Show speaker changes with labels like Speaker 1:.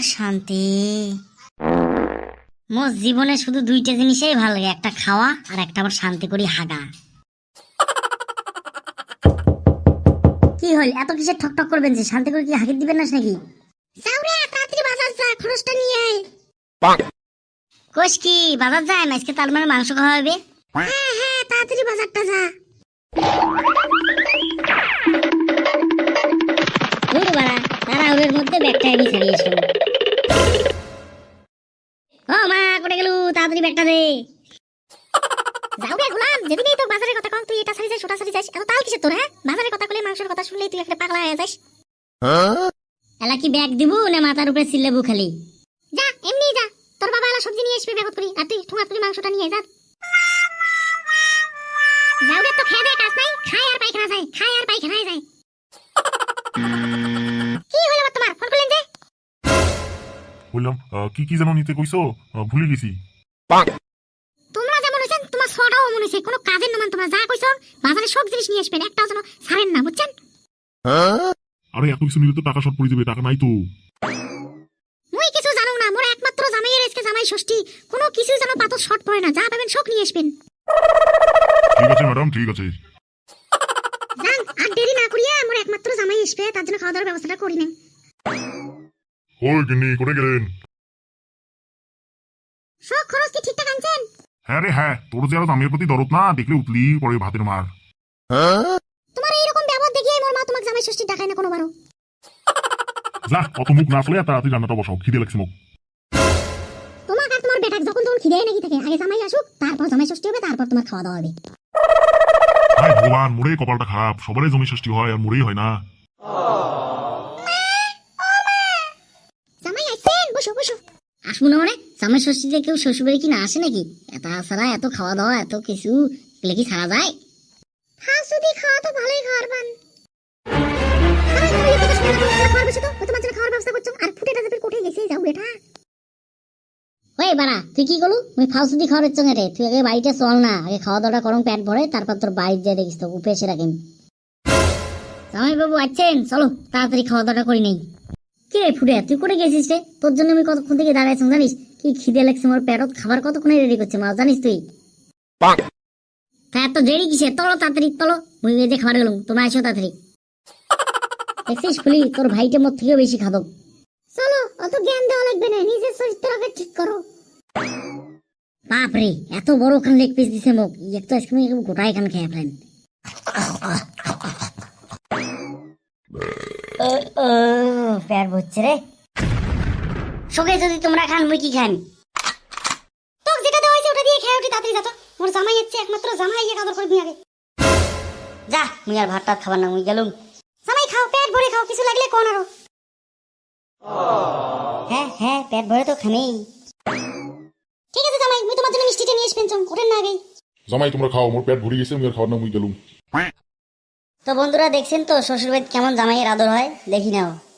Speaker 1: শান্তি। মোর জীবনে শুধু দুইটা জিনিসই ভালো লাগে, একটা খাওয়া আর একটা আমার শান্তি করি হাগা। কি হল এত কিসের ঠক ঠক করবেন যে? শান্তি করে কি হাগি দিবেন না নাকি? যাও রে তাড়াতাড়ি বাজার যা, খরচটা নিয়ে আয়। কোষ কি বাজার যায় না আজকে? তার মানে মাংস খাওয়া হবে। হ্যাঁ হ্যাঁ তাড়াতাড়ি বাজারটা যা। তাড়াহুড়োর মধ্যে ব্যাগটা আমি ছাড়িয়ে এসলাম। ও মা কোটে গেলু, তাড়াতাড়ি ব্যাগটা দে। যাও রে গোলাম, যেদিনই তো বাজারের কথা কম তুই এটা ছাড়ি যাস ওটা ছাড়ি যাস, এত তাল কিসের তোর? হ্যাঁ বাজারের কথা কইলে মাংসের কথা শুনলেই তুই একটা পাগলা হয়ে যাস। এলা কি ব্যাগ দিবু না মাথার উপরে চিল্লাবু খালি? যা এমনি যা, তোর বাবা এলা সবজি নিয়ে আসবে ব্যাগত করি, আর তুই ঠুঙা তুই মাংসটা নিয়ে যা। যাও রে, তো খেয়ে দে, কাজ নাই, খায় আর পায়খানা যায়, খায় আর পায়খানায় যায়। কি হলো তোমার? ফোন করলেন যে?
Speaker 2: বললাম কি কি যেন নিতে কইছো, ভুলে গেছি।
Speaker 1: তোমরা যেমন হইছেন তোমার ছোটটাও মনে হইছে কোনো কাজের নামান। তোমরা যা কইছো বাজারে সব জিনিস নিয়ে আসবেন, একটাও যেন ছাড়েন না, বুঝছেন?
Speaker 2: আরে এত কিছু নিলে তো টাকা শর্ট পড়ে যাবে, টাকা নাই তো।
Speaker 1: মুই কিছু জানো না, মোর একমাত্র জামাইয়ের আজকে জামাই ষষ্ঠী, কোনো কিছু যেন পাতর শর্ট পড়ে না, যা পাবেন সব নিয়ে আসবেন।
Speaker 2: ঠিক আছে ম্যাডাম, ঠিক আছে।
Speaker 1: যান আর দেরি না করিয়া, মোর একমাত্র জামাই আসবে, তার জন্য খাওয়া দাওয়ার ব্যবস্থাটা করি নেন।
Speaker 2: ওই গিন্নি কোথায় গেলেন?
Speaker 1: সব খরচ কি ঠিকঠাক আনছেন?
Speaker 2: হ্যাঁ রে হ্যাঁ, তোর যে আরো দামের প্রতি দরদ না, দেখলে উতলি পরে ভাতের মার।
Speaker 1: তোমার এইরকম ব্যবহার দেখিয়ে মোর মা তোমাকে জামাই ষষ্ঠী ডাকায় না কোনোবারও।
Speaker 2: যা অত মুখ না চলে তাড়াতাড়ি রান্নাটা বসাও, খিদে লাগছে মুখ।
Speaker 1: তোমাকে আর তোমার বেটাক যখন তখন খিদে নাকি থাকে, আগে জামাই আসুক তারপর জামাই ষষ্ঠী হবে, তারপর তোমার খাওয়া দাওয়া হবে।
Speaker 2: হায় ভগবান, মোরে কপালটা খারাপ, সবারই জমি ষষ্ঠী হয় আর মোরেই হয় না।
Speaker 1: জামাই আইছেন, বসো বসো। আসবো না মানে? জামাই ষষ্ঠীতে কেউ শ্বশুরবাড়ি কি না আসে নাকি? তাছাড়া এত খাওয়া দাওয়া এত কিছু এগুলো কি ছাড়া যায়? হ্যাঁ যদি খাওয়া তো ভালোই খাওয়ার পান। ওই বাড়া তুই কি করলু? মুই ফাউসুদি খাওয়ার ইচ্ছা রে, তুই আগে বাড়িতে চল না, আগে খাওয়া দাওয়াটা করম পেট ভরে, তারপর তোর বাড়ি যা দেখিস তো উপে এসে রাখেন। জামাই বাবু আছেন, চলো তাড়াতাড়ি খাওয়া দাওয়াটা করি নেই। কি রে ফুটে, তুই করে গেছিস রে? তোর জন্য আমি কতক্ষণ থেকে দাঁড়াইছি জানিস? কি খিদে লাগছে আমার পেটত, খাবার কতক্ষণে রেডি করছে মা জানিস তুই? তা এত দেরি কিসে? তলো তাড়াতাড়ি তলো, মুই যে খাবার গেলুম, তোমরা আসো তাড়াতাড়ি। দেখছিস ফুলি, তোর ভাইটা মোর থেকেও বেশি খাদক। চলো অত জ্ঞান দেওয়া লাগবে না, নিজের চরিত্রকে ঠিক করো। বাপরে এত বড় খান লেগ পিস দিছে মোক, একটু আজকে গোটাই খান খেয়ে ফেলেন। পেট ভরছে রে। সকালে যদি তোমরা খান মুই কি খান? তোক যেটা দেওয়া হয়েছে ওটা দিয়ে খেয়ে উঠি, তাড়াতাড়ি যা তো, মোর জামাই হচ্ছে একমাত্র জামাই, ইয়ে কাদর করবি আগে যা। মুই আর ভাত টাত খাবার না, মুই গেলুম। জামাই খাও, পেট ভরে খাও, কিছু লাগলে কোন আরো। হ্যাঁ হ্যাঁ পেট ভরে তো খামেই। ঠিক আছে জামাই, মুই তোমার জন্য মিষ্টিটা নিয়ে আসবেন, চল ওঠেন না আগেই।
Speaker 2: জামাই তোমরা খাও, মোর পেট ভরে গেছে, আমি আর খাওয়ার না, মুই গেলুম।
Speaker 1: তো বন্ধুরা দেখছেন তো শ্বশুরবাড়িতে কেমন জামাইয়ের আদর হয়, দেখি নাও।